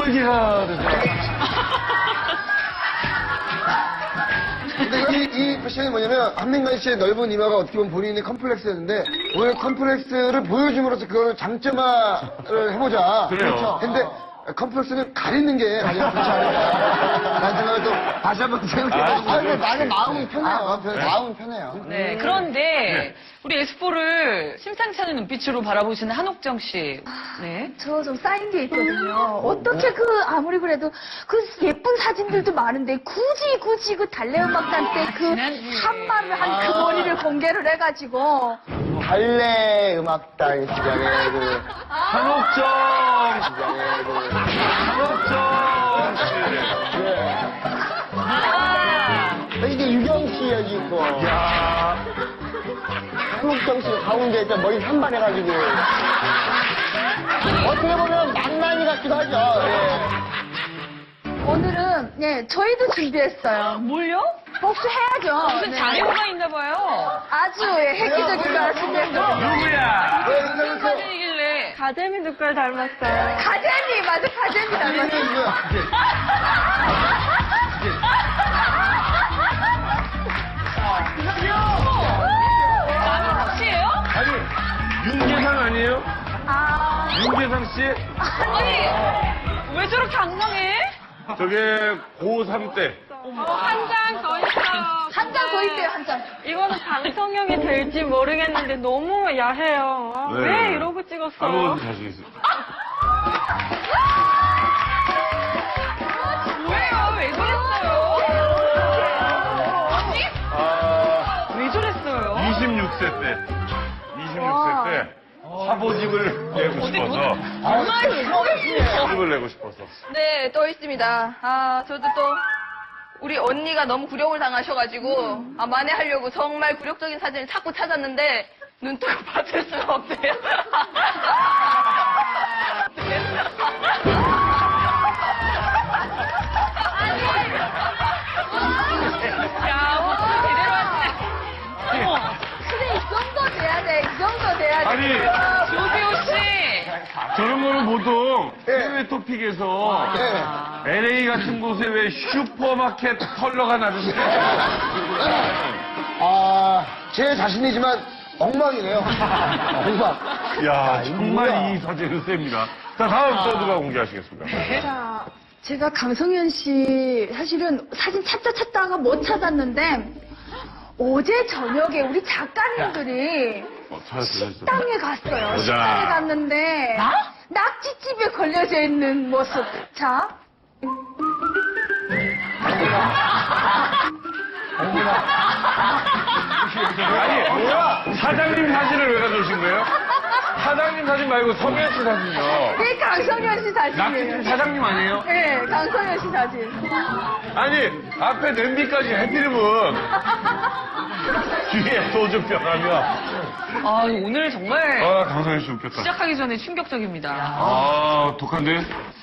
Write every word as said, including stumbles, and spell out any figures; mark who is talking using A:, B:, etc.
A: 얘기가 되세요.
B: 근데 이, 이 패션이 뭐냐면 한민관 씨의 넓은 이마가 어떻게 보면 본인의 컴플렉스였는데 오늘 컴플렉스를 보여줌으로써 그거를 장점화를 해보자.
A: 그래요.
B: 그렇죠. 근데 컴플렉스는 가리는 게 가장 좋지 않을까. 라는 생각을 또 다시 한번 생각해보고.
C: 아, 근데 나는 마음이 편해요. 마음이 편해요.
D: 네, 그런데 우리 엑스포를 심상치 않은 눈빛으로 바라보시는 한옥정 씨. 네.
E: 저 좀 쌓인 게 있거든요. 어떻게 그 아무리 그래도 그 예쁜 사진들도 많은데 굳이 굳이 그 달래음악단 때 그 한마를 한 그 머리를 공개를 해가지고
C: 달래 음악단 시장에 그
A: 한옥정!
C: 시장에 그
A: 한옥정 씨.
D: 아,
C: 이게 유경 씨 여기 있고
A: 야
C: 한옥정 씨가 가운데 있다 머리 산발해가지고 어떻게 보면 낭만이 같기도 하죠. 예.
E: 오늘은 네 저희도 준비했어요.
D: 뭘요?
E: 복수해야죠.
D: 무슨
E: 네.
D: 자료가 있나 봐요.
E: 아주 예, 획기적인 걸 준비했어요.
A: 누구야?
B: 네, 인사해주세요.
D: 사진이길래.
E: 가재미 누굴 닮았어요? 가재미 맞아 가재미 닮았어요.
D: 남인석 씨예요?
A: 아니, 윤계상 아니에요?
E: 아
A: 윤계상 씨?
D: 아니, 왜 저렇게 악명해?
A: 저게 고삼 때.
F: 한 장 더 있어요.
E: 한 장 더 있대요 한 장.
F: 이거는 방송용이 될지 모르겠는데 너무 야해요. 아,
A: 네.
F: 왜 이러고 찍었어요?
A: 아무것도 자신 있어요.
D: 뭐예요? 왜 저랬어요? 언니?
A: 아,
D: 왜 저랬어요?
A: 이십육 세 때. 이십육 세 때. 화보집을 내고 싶어서. 화보집을 내고 싶어서.
G: 네, 또 있습니다. 아, 저도 또 우리 언니가 너무 굴욕을 당하셔가지고 아, 만회하려고 정말 굴욕적인 사진을 자꾸 찾았는데 눈 뜨고 받을 수가 없네요.
D: 야, 오늘 제대로 왔네. 어머,
E: 근데 이 정도 돼야 돼. 이 정도 돼야 돼.
A: 아니,
D: 조세호 씨.
A: 저런 거는 보통 해외 토픽에서
B: 네.
A: 엘에이 같은 곳에 왜 슈퍼마켓 컬러가 나는데.
B: 아, 제 자신이지만 엉망이네요. 엉망.
A: 야, 정말 이 사진은 셉니다. 자, 다음 또 누가 공개하시겠습니까?
E: 자, 제가 강성현 씨 사실은 사진 찾다 찾다가 못 찾았는데 어제 저녁에 우리 작가님들이
A: 어, 찾았어, 찾았어.
E: 식당에 갔어요.
A: 보자.
E: 식당에 갔는데 낙지집에 걸려져 있는 모습. 자.
A: 아니, 뭐야? 사장님 사진을 왜 가져오신 거예요? 사장님 사진 말고 성현 씨 사진이요.
E: 이게 강성현 씨
A: 낙지집
E: 사진이에요.
A: 사장님 아니에요?
E: 네, 강성현 씨 사진.
A: 아니, 앞에 냄비까지 해피름은 뒤에 소주병 하면.
D: 아, 오늘 정말
A: 아, 강성현 씨 웃겼다.
D: 시작하기 전에 충격적입니다.
A: 아, 독한데?